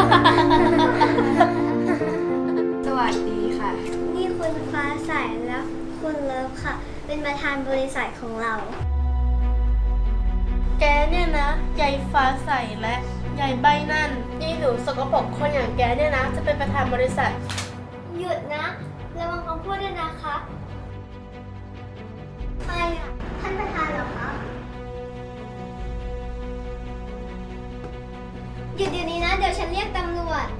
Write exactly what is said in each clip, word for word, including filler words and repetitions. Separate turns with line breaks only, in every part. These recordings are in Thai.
สวัสดีค่ะ
นี่คุณฟ้าใสและคุณเลิฟค่ะ เป็นประธานบริษัทของเรา
แกเนี่ยนะยายฟ้าใสและยายใบนั่นนี่หนูสกปรกคนอย่างแกเนี่ยนะจะเป็นประธานบริษัท
หยุดนะระวังคำพูดด้วยนะคะใครอ่ะ ท่านประธานเหรอคะ หยุดเดี๋ยวนี้นะ เดี๋ยวฉันเรียกตำรวจ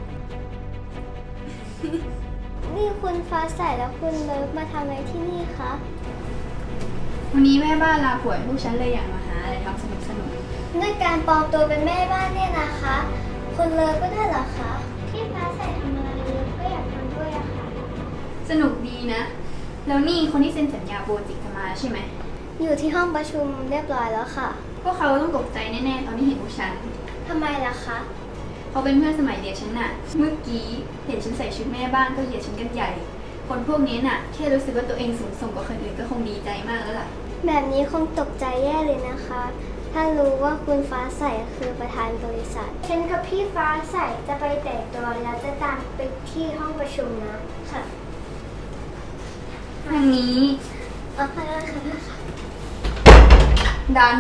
นี่คุณฟ้าใสและคุณเลิฟมาทำอะไรที่นี่คะ
วันนี้แม่บ้านลาป่วยพวกฉันเลยอยากมาหาอะไรทำสนุกสนุก
ด้วยการปลอมตัวเป็นแม่บ้านเนี่ยนะคะ คุณเลิฟก็ได้เหรอคะที่ฟ้าใสทำอะไรเลิฟก็อยากทำด้วยอะค่ะ
สนุกดีนะ แล้วนี่คนที่เซ็นสัญญาโปรเจกต์จะมาใช่ไหม
อยู่ที่ห้องประชุมเรียบร้อยแล้วค่ะ
พวกเขาต้องตกใจแน่ๆตอนที่เห็นพวกฉัน
ทำไมล่ะคะ
เขาเป็นเพื่อนสมัยเรียนฉันน่ะ เมื่อกี้เห็นฉันใส่ชุดแม่บ้านก็เหยียดฉันกันใหญ่ คนพวกนี้น่ะแค่รู้สึกว่าตัวเองสูงส่งกว่าคนอื่นก็คงดีใจมากแล้วล่ะ
แบบนี้คงตกใจแย่เลยนะคะ ถ้ารู้ว่าคุณฟ้าใสคือประธานบริษัท ฉันกับพี่ฟ้าใสจะไปแต่งตัวแล้วจะตามไปที่ห้องประชุมนะค่ะ
ทางนี้
อ๋อค่ะค่ะค่ะ
ดัน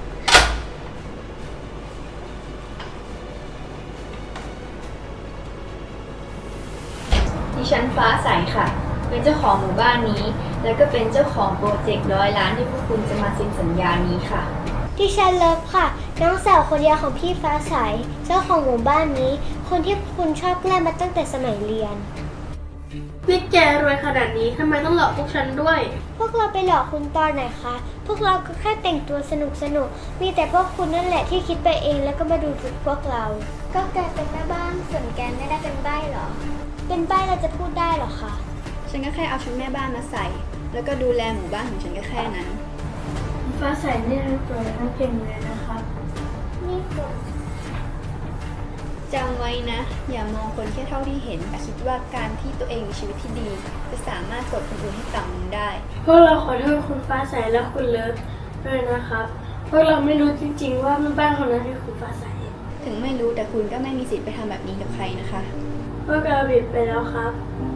ดิฉันฟ้าใสค่ะ เป็นเจ้าของหมู่บ้านนี้ แล้วก็เป็นเจ้าของโปรเจกต์ร้อยล้านที่พวกคุณจะมาเซ็นสัญญานี้ค่ะ
ดิฉันเลิฟค่ะ น้องสาวคนเดียวของพี่ฟ้าใส เจ้าของหมู่บ้านนี้ คนที่คุณชอบแกล้งมาตั้งแต่สมัยเรียน
นี่แกรวยขนาดนี้ทำไมต้องหลอกพวกฉันด้วย
พวกเราไปหลอกคุณตอนไหนคะ พวกเราก็แค่แต่งตัวสนุกสนุกๆมีแต่พวกคุณนั่นแหละที่คิดไปเองแล้วก็มาดูถูกพวกเรา ก็แกเป็นแม่บ้านส่วนแกไม่ได้เป็นใบ้หรอ เป็นใบ้เราจะพูดได้หรอคะ
ฉันก็แค่เอาชุดแม่บ้านมาใส่ แล้วก็ดูแลหมู่บ้านของฉันก็แค่นั้น
ฟ้าใสนี่สวยทั้งเก่งเลยนะครับ
นี่คุณ
จำไว้นะ อย่ามองคนแค่เท่าที่เห็นแต่คิดว่าการที่ตัวเองมีชีวิตที่ดี จะสามารถกดคนอื่นให้ต่ำลงได้
พวกเราขอโทษคุณฟ้าใสและคุณเลิฟด้วยนะครับพวกเราไม่รู้จริงๆว่าแม่บ้านคนนั้นคือคุณฟ้าใส
ถึงไม่รู้แต่คุณก็ไม่มีสิทธิ์ไปทำแบบนี้กับใครนะคะ
พวกเราผิดไปแล้วครับ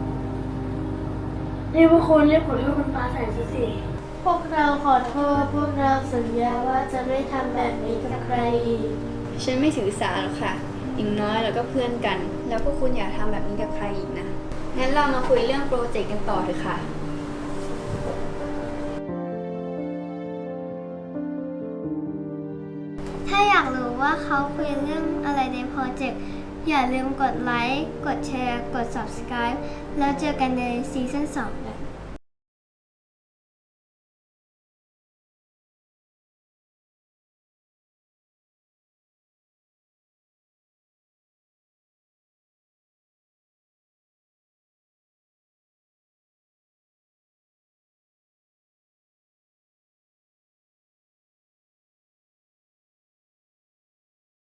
นี่พวกคุณเรียกขอโทษคุณฟ้าใสสิ พวกเราขอโทษพวกเราสัญญาว่าจะไม่ทำแบบนี้กับใครอีก
ฉันไม่ถือสาหรอกค่ะ อย่างน้อยเราก็เพื่อนกัน แล้วพวกคุณอย่าทำแบบนี้กับใครอีกนะ งั้นเรามาคุยเรื่องโปรเจกต์กันต่อเถอะค่ะ
ถ้าอยากรู้ว่าเขาคุยเรื่องอะไรในโปรเจกต์ อย่าลืมกดไลค์ กดแชร์ กด subscribe แล้วเจอกันในซีซั่นสองนะ